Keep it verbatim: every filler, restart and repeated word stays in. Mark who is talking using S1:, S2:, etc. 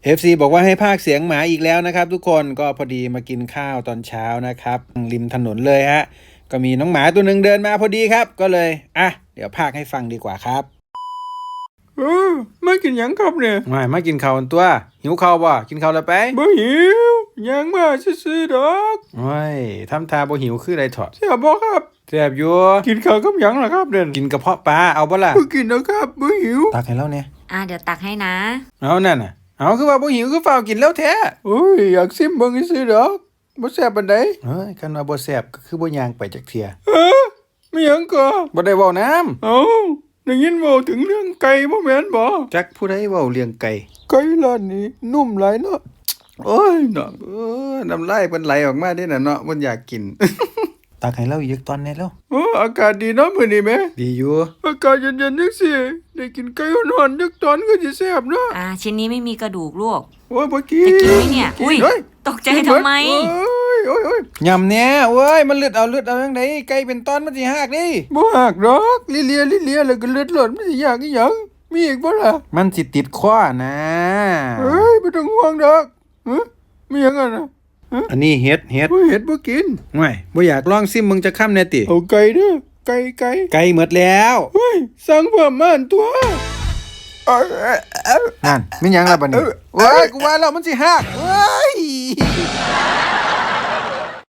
S1: เอฟ ซี บอกว่าให้พากย์เสียงหมาอีกแล้วนะครับทุกคนก็พอดีมากินข้าวตอนเช้านะครับริมถนนเลยฮะก็มีน้องหมาตัวหนึ่งเดินมาพอดีครับก็เลยอ่ะเดี๋ยวพากย์ให้ฟังดีกว่าครับ
S2: เออไม่กินหยังครับเนี่ย
S1: ไม่มากินข้าวตัวหิวข้าวบ่กินข้าวแล้วไป
S2: บ่หิวยังมาซื่อๆดอก
S1: โอ้ยทำทาบ่หิวคืออะไรถอด
S2: แซ่บบ่ครับ
S1: แซ่บอยู่
S2: กินข้าวกับหยังล่ะครับเด่น
S1: กินกระเพาะปลาเอาบ่ล่ะ
S2: บ่กินนะครับบ่หิว
S1: ตักให้เราเนี่ย
S3: อ่าเดี๋ยวตักให้นะ
S1: เอานั่นน่ะเอาคือว่าบ่หิวคือฝ้าวกินแล้วแท้
S2: โอ้ยอยากซิมเบิ่งซื่อๆดอกบ่แซ่บปานใด
S1: เฮ้ยคันว่าบ่แซ่บก็คือบ่ย่างไปจักเที่ย
S2: เออไม่หยังก็
S1: บ่ได้เว้าน้ำ
S2: เอ้าได้ยินเว้าถึงเรื่องไก่บ่แม่นบ่
S1: จักผู้ใดเว้าเรื่องไก่
S2: ไก่ร้านนี้นุ่มหลายเนาะโอ้ยน้อง
S1: เออน้ำลายเพิ่นไหลออกมาเด้น่ะเนาะมันอยากกิน ตักให้เราอีกตอนนี้แล้ว
S2: โอ้อากาศดีเนาะมื้อนี้แม่
S1: ดีอยู่
S2: อากาศเย็นๆจังซี่ได้กินไก่ร้อนๆจักตอนก็สิแซ่บเนาะ
S3: อ่าชิ้นนี้ไม่มีกระดูกลูก
S2: โอ้ยบ่กิน
S3: จะกินไหมเนี่ยอุ้ยตกใจทำไม
S2: โอ้ยโอ้ย
S1: ยำเนี่ยเว้ยมันเลือดเอาเลือดเอาจังไดไก่เป็นตอนมันสิหักดิ
S2: บ่หักดอกลิเลียลิเลียแล้วก็เลือดหล่นมันสิยากอีหยังมีอีกบ่ล่ะ
S1: มันสิติดคอนะ
S2: เฮ้ยบ่ต้องห่วงดอกฮะมีหยังอ่ะนะ
S1: อันนี้เฮ็ดเฮ็ด
S2: บ่เฮ็ดบ่กิน
S1: ไม่บ่อยากลองซิมมึงจะค้ำแน่ติ
S2: เอาไก่เด้อไก่ไก่
S1: ไก่หมดแล้ว
S2: เฮ้ยสั่งเพิ่มมาอันตัว
S1: นั่นมีหยังล่ะบัดนี้เอ้ยกูว่าแล้วมันสิหักเฮ้ย